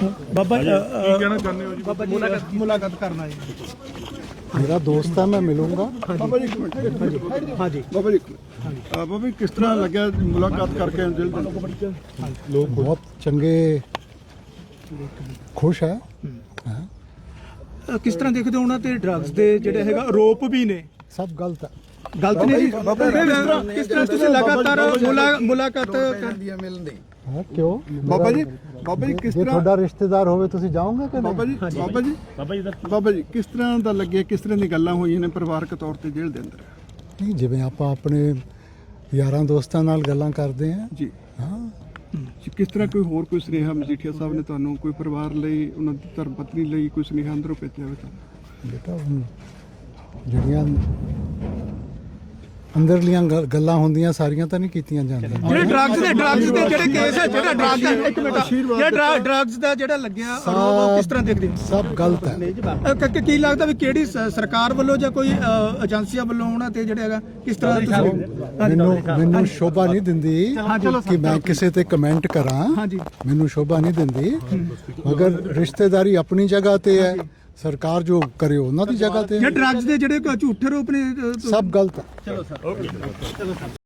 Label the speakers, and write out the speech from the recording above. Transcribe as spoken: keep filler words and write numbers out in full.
Speaker 1: ਬਾਬਾ
Speaker 2: ਕੀ ਕਹਿਣਾ ਚਾਹੁੰਦੇ ਹੋ ਜੀ?
Speaker 1: ਬਾਬਾ ਜੀ ਮੁਲਾਕਾਤ ਕਰਨਾ ਜੀ।
Speaker 3: मेरा दोस्त है, मैं मिलूंगा।
Speaker 2: ਬਾਬਾ ਜੀ ਇੱਕ ਮਿੰਟ
Speaker 1: ਹਾਂਜੀ
Speaker 2: ਬਾਬਾ ਜੀ ਇੱਕ ਮਿੰਟ। ਅਹ ਬਾਬਾ ਜੀ ਕਿਸ ਤਰ੍ਹਾਂ ਲੱਗਿਆ ਮੁਲਾਕਾਤ ਕਰਕੇ ਦਿਲ ਦੇ ਅੰਦਰ?
Speaker 3: लोग बहुत चंगे खुश है। हाँ,
Speaker 1: ਅ, ਕਿਸ ਤਰ੍ਹਾਂ ਦੇਖਦੇ ਹੋ ਉਹਨਾਂ ਤੇ ਡਰੱਗਸ ਦੇ ਜਿਹੜੇ ਹੈਗਾ ਆਰੋਪ ਵੀ ਨੇ?
Speaker 3: सब गलत है।
Speaker 1: ਗਲਤ ਨੇ ਜੀ। ਕਿਸ ਤਰ੍ਹਾਂ ਤੁਸੀਂ ਲਗਾਤਾਰ ਮੁਲਾ- ਮੁਲਾਕਾਤ ਕਰ
Speaker 3: हाँ, क्यों?
Speaker 2: ਬਾਬਾ ਜੀ ਬਾਬਾ ਜੀ ਕਿਸ
Speaker 3: ਜੇ
Speaker 2: ਤਰ੍ਹਾਂ
Speaker 3: ਤੁਹਾਡਾ ਰਿਸ਼ਤੇਦਾਰ ਹੋਵੇ ਤੁਸੀਂ ਜਾਓਗੇ ਕਿ
Speaker 2: ਬਾਬਾ
Speaker 3: ਨਹੀਂ?
Speaker 2: ਜੀ ਬਾਬਾ ਜੀ ਬਾਬਾ ਜੀ ਕਿਸ ਤਰ੍ਹਾਂ ਦਾ ਲੱਗਿਆ, ਕਿਸ ਤਰ੍ਹਾਂ ਦੀ ਗੱਲਾਂ ਹੋਈਆਂ ਨੇ ਪਰਿਵਾਰਕ ਤੌਰ ਤੇ ਜੇਲ੍ਹ ਦੇ ਅੰਦਰ?
Speaker 3: ਨਹੀਂ, ਜਿਵੇਂ ਆਪਾਂ ਆਪਣੇ ਯਾਰਾਂ ਦੋਸਤਾਂ ਨਾਲ ਗੱਲਾਂ ਕਰਦੇ ਹਾਂ।
Speaker 2: ਜੀ
Speaker 3: ਹਾਂ,
Speaker 2: ਜੀ, ਕਿਸ ਤਰ੍ਹਾਂ ਕੋਈ ਹੋਰ ਕੋਈ ਸੁਨੇਹਾ ਮਜੀਠੀਆ ਸਾਹਿਬ ਨੇ ਤੁਹਾਨੂੰ ਕੋਈ ਪਰਿਵਾਰ ਲਈ, ਉਹਨਾਂ ਦੀ ਧਰਮ ਪਤਨੀ ਲਈ ਕੋਈ ਸੁਨੇਹਾ ਅੰਦਰੋਂ ਭੇਜਿਆ ਹੋਵੇ ਤੁਹਾਨੂੰ?
Speaker 3: ਬੇਟਾ ਹੁਣ ਜਿਹੜੀਆਂ ਅੰਦਰਲੀਆਂ ਗੱਲ- ਗੱਲਾਂ ਹੁੰਦੀਆਂ ਸਾਰੀਆਂ ਤਾਂ ਨਹੀਂ ਕੀਤੀਆਂ ਜਾਂਦੀਆਂ।
Speaker 1: ਜਿਹੜੇ ਡਰੱਗਸ ਦੇ ਡਰੱਗਸ ਦੇ ਜਿਹੜੇ ਕੇਸ ਹੈ, ਜਿਹੜਾ ਡਰੱਗ ਦਾ ਇੱਕ ਮਿੰਟ ਜਿਹੜਾ ਡਰੱਗਸ ਦਾ ਜਿਹੜਾ ਲੱਗਿਆ ਆਰੋਪ, ਉਹ ਕਿਸ ਤਰ੍ਹਾਂ ਦੇਖਦੇ ਹੋ?
Speaker 3: ਸਭ ਗਲਤ ਹੈ।
Speaker 1: ਅ, ਕ- ਕ- ਕੀ ਲੱਗਦਾ ਵੀ ਕਿਹੜੀ ਸ- ਸਰਕਾਰ ਵੱਲੋਂ ਜਾਂ ਕੋਈ ਅ, ਏਜੰਸੀਆਂ ਵੱਲੋਂ ਉਹਨਾਂ ਤੇ ਜਿਹੜਾ ਹੈਗਾ ਕਿਸ ਤਰ੍ਹਾਂ ਦਾ ਤੁਸੀਂ
Speaker 3: ਮੈਨੂੰ ਮੈਨੂੰ ਸ਼ੋਭਾ ਨਹੀਂ ਦਿੰਦੀ ਕਿ ਮੈਂ ਕਿਸੇ ਤੇ ਕਮੈਂਟ ਕਰਾਂ।
Speaker 1: ਹਾਂਜੀ
Speaker 3: ਮੈਨੂੰ ਸ਼ੋਭਾ ਨਹੀਂ ਦਿੰਦੀ, ਮਗਰ ਰਿਸ਼ਤੇਦਾਰੀ ਆਪਣੀ ਜਗ੍ਹਾ ਤੇ ਹੈ, ਸਰਕਾਰ ਜੋ ਕਰੇ ਉਹਨਾਂ ਦੀ ਜਗ੍ਹਾ ਤੇ
Speaker 1: ਜੇ
Speaker 3: ਹੈ।
Speaker 1: ਡਰੱਗਸ ਦੇ ਜਿਹੜੇ ਝੂਠੇ ਰੂਪ ਨੇ ਅ,
Speaker 3: ਸਭ ਗਲਤ ਹੈ।